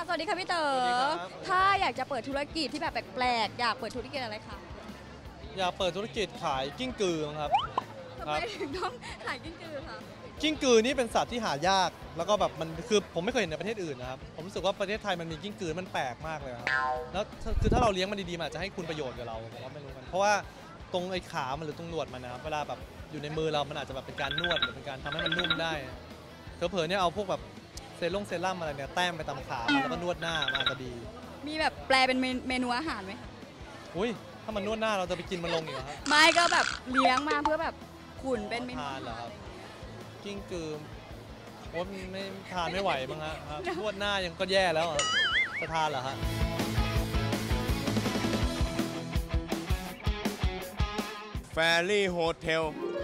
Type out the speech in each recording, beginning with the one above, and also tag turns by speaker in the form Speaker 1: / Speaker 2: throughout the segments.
Speaker 1: สวัสดีค่ะพี่เต๋อถ้าอยากจะเปิดธุรกิจที่แบบแปลกๆอยากเปิดธุรกิจอะไรคะ
Speaker 2: อยากเปิดธุรกิจขายกิ้งกือครับ
Speaker 1: ทำไมถึงต้องขายกิ้งกือคะ
Speaker 2: กิ้งกือนี่เป็นสัตว์ที่หายากแล้วก็แบบมันคือผมไม่เคยเห็นในประเทศอื่นนะครับผมรู้สึกว่าประเทศไทยมันมีกิ้งกือมันแปลกมากเลยครับแล้วคือถ้าเราเลี้ยงมันดีๆมันอาจจะให้คุณประโยชน์กับเราผมว่าไม่รู้มันเพราะว่าตรงไอ้ขามันหรือตรงหนวดมันนะครับเวลาแบบอยู่ในมือเรามันอาจจะแบบเป็นการนวดหรือเป็นการทำให้มันนุ่มได้เผลอๆเนี่ยเอาพวกแบบเซรั่มอะไรเนี่ยแต้มไปตามขาแล้วก็นวดหน้ามันอาจจะดี
Speaker 1: มีแบบแปลเป็นเมนูอาหารไหมคะ
Speaker 2: อุ้ยถ้ามันนวดหน้าเราจะไปกินมันลงอยู่ครับ
Speaker 1: ไม่ก็แบบเลี้ยงมาเพื่อแบบขุนเป็นเมนู
Speaker 2: ทานเหรอครับกิ้งกือโอ้ไม่ทานไม่ไหวมั้งฮะนวดหน้ายังก็แย่แล้วจะทานเหรอฮะ
Speaker 3: แฟรี่โฮเทล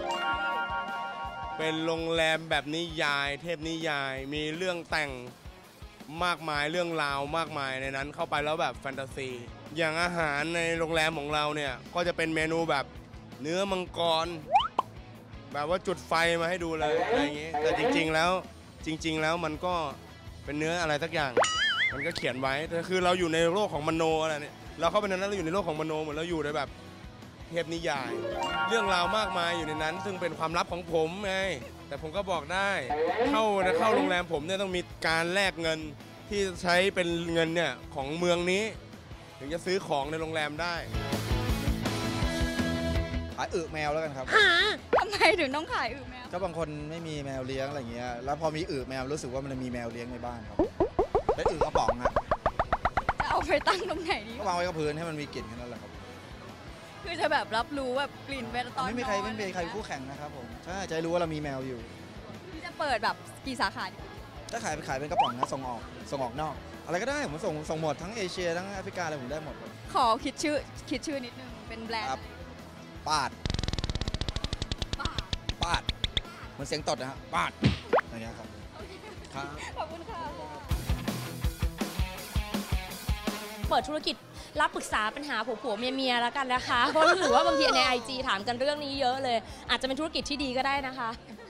Speaker 3: เป็นโรงแรมแบบนิยายเทพนิยายมีเรื่องแต่งมากมายเรื่องราวมากมายในนั้นเข้าไปแล้วแบบแฟนตาซีอย่างอาหารในโรงแรมของเราเนี่ยก็จะเป็นเมนูแบบเนื้อมังกรแบบว่าจุดไฟมาให้ดูเลยอะไรอย่างงี้แต่จริงๆแล้วมันก็เป็นเนื้ออะไรสักอย่างมันก็เขียนไว้แต่คือเราอยู่ในโลกของมโนอะไรเนี่ยเราเข้าไปในนั้นเราอยู่ในโลกของมโนเหมือนเราอยู่ในแบบเทพนิยายเรื่องราวมากมายอยู่ในนั้นซึ่งเป็นความลับของผมไงแต่ผมก็บอกได้เข้าโรงแรมผมเนี่ยต้องมีการแลกเงินที่ใช้เป็นเงินเนี่ยของเมืองนี้ถึงจะซื้อของในโรงแรมได้
Speaker 4: ขายแมวแล้วกันครับ
Speaker 1: ทำไมถึงต้องขายแมว
Speaker 4: ก็บางคนไม่มีแมวเลี้ยงอะไรเงี้ยแล้วพอมีแมวรู้สึกว่ามันมีแมวเลี้ยงในบ้านครับและกระป๋องครับ
Speaker 1: จะเอาไปตั้งตรงไหนดี
Speaker 4: ก็วางไว้กับพื้นให้มันมีกลิ่นแค่นั้นแหละครับ
Speaker 1: คือจะแบบรับรู้แบบกลิ่นเวลาตอน
Speaker 4: ไม่มีใครคู่แข่งนะครับผมใช่จะรู้ว่าเรามีแมวอยู่
Speaker 1: ที่จะเปิดแบบกี่สาขาดี
Speaker 4: ถ้าขายเป็นกระป๋องนะส่งออกนอกอะไรก็ได้ผมส่งหมดทั้งเอเชียทั้งแอฟริกาอะไรผมได้หมด
Speaker 1: ขอคิดชื่อนิดนึงเป็นแบรนด์
Speaker 4: ปาดเหมือนเสียงตดนะฮะปาดอย่างเงี้ยครับ
Speaker 1: ขอบคุณค่ะ
Speaker 5: เปิดธุรกิจรับปรึกษาปัญหาผัวเมียแล้วกันนะคะเพราะรู้สึกว่าบางทีใน IG ถามกันเรื่องนี้เยอะเลยอาจจะเป็นธุรกิจที่ดีก็ได้นะคะ